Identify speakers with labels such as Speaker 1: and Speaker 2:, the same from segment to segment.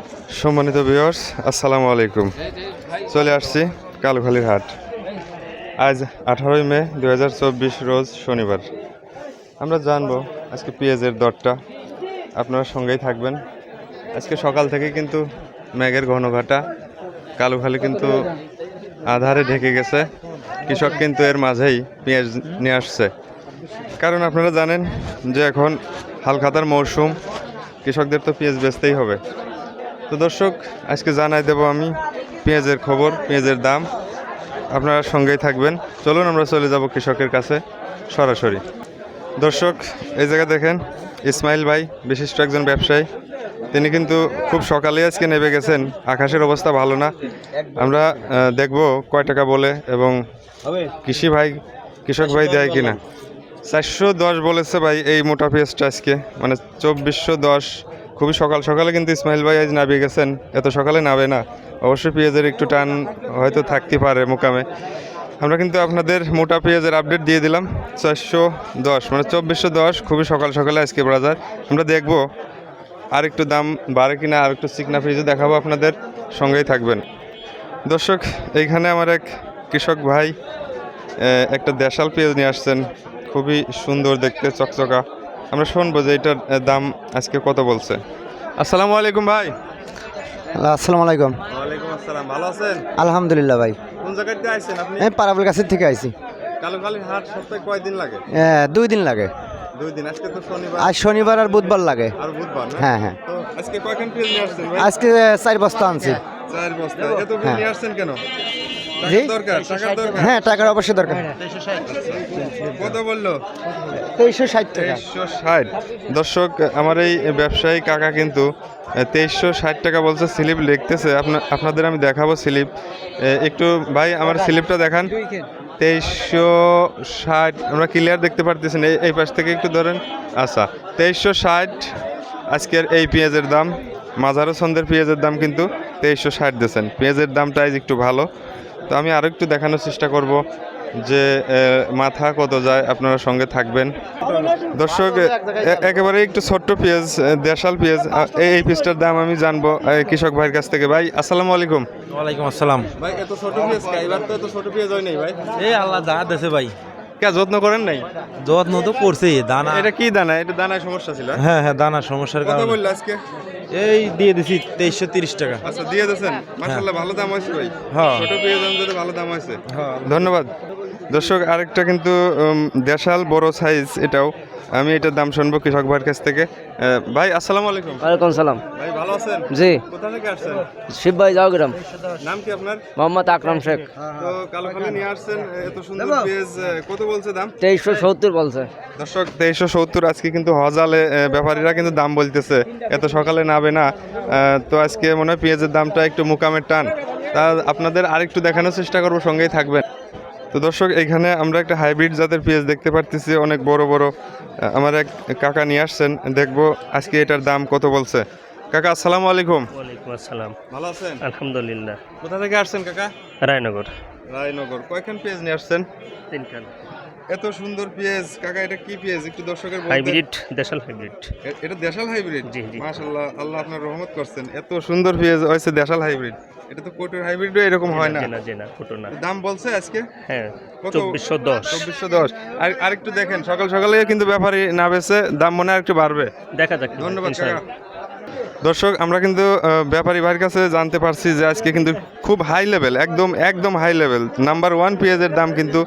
Speaker 1: সম্মানিত ভিউয়ার্স, আসসালামু আলাইকুম। চলে আসছি কালুখালীর হাট। আজ 18 মে 2024 রোজ শনিবার। আমরা জানবো আজকে পেঁয়াজের দরটা। আপনারা সঙ্গেই থাকবেন। আজকে সকাল থেকে কিন্তু মেঘের ঘনঘটা, কালুখালী কিন্তু আধারে ঢেকে গেছে। কৃষক কিন্তু এর মাঝেই পেঁয়াজ নিয়ে আসছে, কারণ আপনারা জানেন যে এখন হালখাতার মৌসুম, কৃষকদের তো পেঁয়াজ বেচতেই হবে। তো দর্শক, আজকে জানাই দেব আমি পেঁয়াজের খবর, পেঁয়াজের দাম। আপনারা সঙ্গেই থাকবেন। চলুন আমরা চলে যাব কৃষকের কাছে সরাসরি। দর্শক, এই জায়গা দেখেন ইসমাইল ভাই, বিশিষ্ট একজন ব্যবসায়ী। তিনি কিন্তু খুব সকালে আজকে নেমে গেছেন। আকাশের অবস্থা ভালো না। আমরা দেখব কয় টাকা বলে এবং কৃষক ভাই দেয় কিনা। 410 বলেছে ভাই এই মোটা পেঁয়াজটা আজকে, মানে 2410। খুবই সকাল সকালে কিন্তু ইসমাইল ভাই আজ নামিয়ে গেছেন। এত সকালে নামে না, অবশ্যই পেঁয়াজের একটু টান হয়তো থাকতে পারে মোকামে। আমরা কিন্তু আপনাদের মোটা পেঁয়াজের আপডেট দিয়ে দিলাম 410, মানে 2410। খুবই সকাল সকালে আজকে বাজার। আমরা দেখব আর একটু দাম বাড়ে কিনা, আর একটু চিকনা পেঁয়াজও দেখাবো আপনাদের, সঙ্গেই থাকবেন। দর্শক, এইখানে আমার এক কৃষক ভাই একটা দেশাল পেঁয়াজ নিয়ে আসছেন, খুবই সুন্দর দেখতে, চকচকা। আমরা শুনবো যে এটার দাম আজকে কত বলছে। আসসালামু আলাইকুম ভাই।
Speaker 2: আসসালামু আলাইকুম।
Speaker 1: ওয়ালাইকুম আসসালাম। ভালো আছেন?
Speaker 2: আলহামদুলিল্লাহ ভাই।
Speaker 1: কোন জায়গা থেকে আইছেন আপনি?
Speaker 2: আমি পারাবল কাছের থেকে আইছি।
Speaker 1: কালুখালীর হাট সপ্তাহে কয়দিন লাগে?
Speaker 2: 2 দিন লাগে।
Speaker 1: 2 দিন। আজকে তো শনিবার।
Speaker 2: আজ শনিবার আর বুধবার লাগে।
Speaker 1: আর বুধবার না?
Speaker 2: হ্যাঁ হ্যাঁ।
Speaker 1: তো আজকে কয়খান পেঁয়াজ নিয়ে আসছেন ভাই?
Speaker 2: আজকে 4 বস্তা আনছি।
Speaker 1: 4 বস্তা। এত পেঁয়াজ নিয়ে আসছেন কেন?
Speaker 2: জি?
Speaker 1: দরকার, টাকার দরকার।
Speaker 2: হ্যাঁ, টাকার অবশ্যই দরকার।
Speaker 1: কত বললো?
Speaker 2: 2360 টাকা।
Speaker 1: 2360। দর্শক, আমার এই ব্যবসায়ী কাকা কিন্তু 2360 টাকা বলছে। স্লিপ লিখতেছে, আপনাদের আমি দেখাবো স্লিপ। একটু ভাই আমার স্লিপটা দেখান। 2360 আমরা ক্লিয়ার দেখতে পারতেছেন। এই পাশ থেকে একটু ধরেন। আচ্ছা, 2360 আজকের এই পেঁয়াজের দাম। মাঝারো ছন্দের পেঁয়াজের দাম কিন্তু 2360 দিয়েছেন। পেঁয়াজের দামটা আজ একটু ভালো। তো আমি আরও একটু দেখানোর চেষ্টা করব যে মাথা কত যায়। আপনারা সঙ্গে থাকবেন। দর্শক, একেবারে একটু ছোট্ট পেঁয়াজ, দেশাল পেঁয়াজ, এই পিসটার দাম আমি জানবো কৃষক ভাইয়ের কাছ থেকে। ভাই আসসালামু আলাইকুম।
Speaker 3: ওয়ালাইকুম আসসালাম।
Speaker 1: ভাই এত ছোট পেঁয়াজ কে? এবার তো এত ছোট পেঁয়াজ হয় নাই ভাই।
Speaker 3: এই আল্লাহ দানা দেছে ভাই।
Speaker 1: কে যত্ন করেন নাই?
Speaker 3: যত্ন তো করছে দানা।
Speaker 1: এটা কি দানা? এটা দানায় সমস্যা ছিল?
Speaker 3: হ্যাঁ হ্যাঁ, দানার সমস্যার
Speaker 1: কত
Speaker 3: কারণে।
Speaker 1: বললো আজকে?
Speaker 3: এই দিয়ে দিছি 2330 টাকা।
Speaker 1: আচ্ছা, দিয়ে দিয়েছেন। মাশাআল্লাহ, ভালো দাম হয়েছে ভাই।
Speaker 3: হ্যাঁ।
Speaker 1: ছোট পেঁয়াজ অনুযায়ী ভালো দাম হয়েছে।
Speaker 3: হ্যাঁ।
Speaker 1: ধন্যবাদ। দর্শক, আরেকটা কিন্তু দেশাল বড় সাইজ, এটাও আমি এটার দাম শুনবো কৃষক ভাইয়ের কাছ থেকে। ভাই আসসালামু আলাইকুম।
Speaker 2: ওয়ালাইকুম সালাম।
Speaker 1: ভাই ভালো আছেন?
Speaker 2: জি।
Speaker 1: কোথা থেকে আসছেন?
Speaker 2: শিবভাই জাওগ্রাম।
Speaker 1: নাম কি আপনার?
Speaker 2: মোহাম্মদ আকরাম শেখ।
Speaker 1: তো কালুখালী নিয়ে আসছেন এত সুন্দর পেঁয়াজ, কত বলছে দাম?
Speaker 2: 2370 বলছে।
Speaker 1: দর্শক, 2370 আজকে কিন্তু হজালে ব্যাপারীরা কিন্তু দাম বলতেছে। এত সকালে নাবে না। তো আজকে মনে হয় পেঁয়াজের দামটা একটু মুকামের টান। তা আপনাদের আরেকটু দেখানোর চেষ্টা করবো, সঙ্গেই থাকবেন। তো দর্শক, এখানে আমরা একটা হাইব্রিড জাতের পেঁয়াজ দেখতে পারতেছি, অনেক বড় বড়। আমার এক কাকা নিয়ে আসছেন, দেখবো আজকে এটার দাম কত বলছে। কাকা আসসালামু আলাইকুম।
Speaker 4: ওয়ালাইকুম আসসালাম।
Speaker 1: ভালো আছেন?
Speaker 4: আলহামদুলিল্লাহ।
Speaker 1: কোথা থেকে আসছেন কাকা?
Speaker 4: রায়নগর।
Speaker 1: রায়নগর। কয়খান পেঁয়াজ নিয়ে আসছেন?
Speaker 4: 3 খান।
Speaker 1: এত সুন্দর পেঁয়াজ কাকা, এটা কি পেঁয়াজ একটু দর্শকের বলতেন?
Speaker 4: হাইব্রিড, দেশাল হাইব্রিড।
Speaker 1: এটা দেশাল হাইব্রিড?
Speaker 4: জি, জি।
Speaker 1: মাশাআল্লাহ, আল্লাহ আপনার রহমত করছেন। এত সুন্দর পেঁয়াজ হয়েছে দেশাল হাইব্রিড। এটা তো কোটের হাইব্রিডও এরকম হয় না।
Speaker 4: জেনা ছোট না।
Speaker 1: দাম বলছে আজকে?
Speaker 4: হ্যাঁ,
Speaker 1: কত?
Speaker 4: 2410।
Speaker 1: 2410। আর একটু দেখেন, সকাল সকালে কিন্তু ব্যাপারী না বেচে, দাম মনে হয় একটু বাড়বে।
Speaker 4: দেখা যাক।
Speaker 1: ধন্যবাদ কাকা।
Speaker 4: ইনশাআল্লাহ।
Speaker 1: দর্শক, আমরা কিন্তু ব্যাপারী ভাইয়ের কাছে জানতে পারছি যে আজকে কিন্তু খুব হাই লেভেল, একদম হাই লেভেল নাম্বার 1 পেঁয়াজের দাম কিন্তু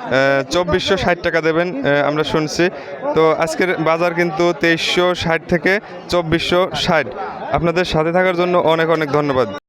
Speaker 1: 2460 টাকা দেবেন, আমরা শুনছি। তো আজকের বাজার কিন্তু 2360 থেকে 2460। আপনাদের সাথে থাকার জন্য অনেক অনেক ধন্যবাদ।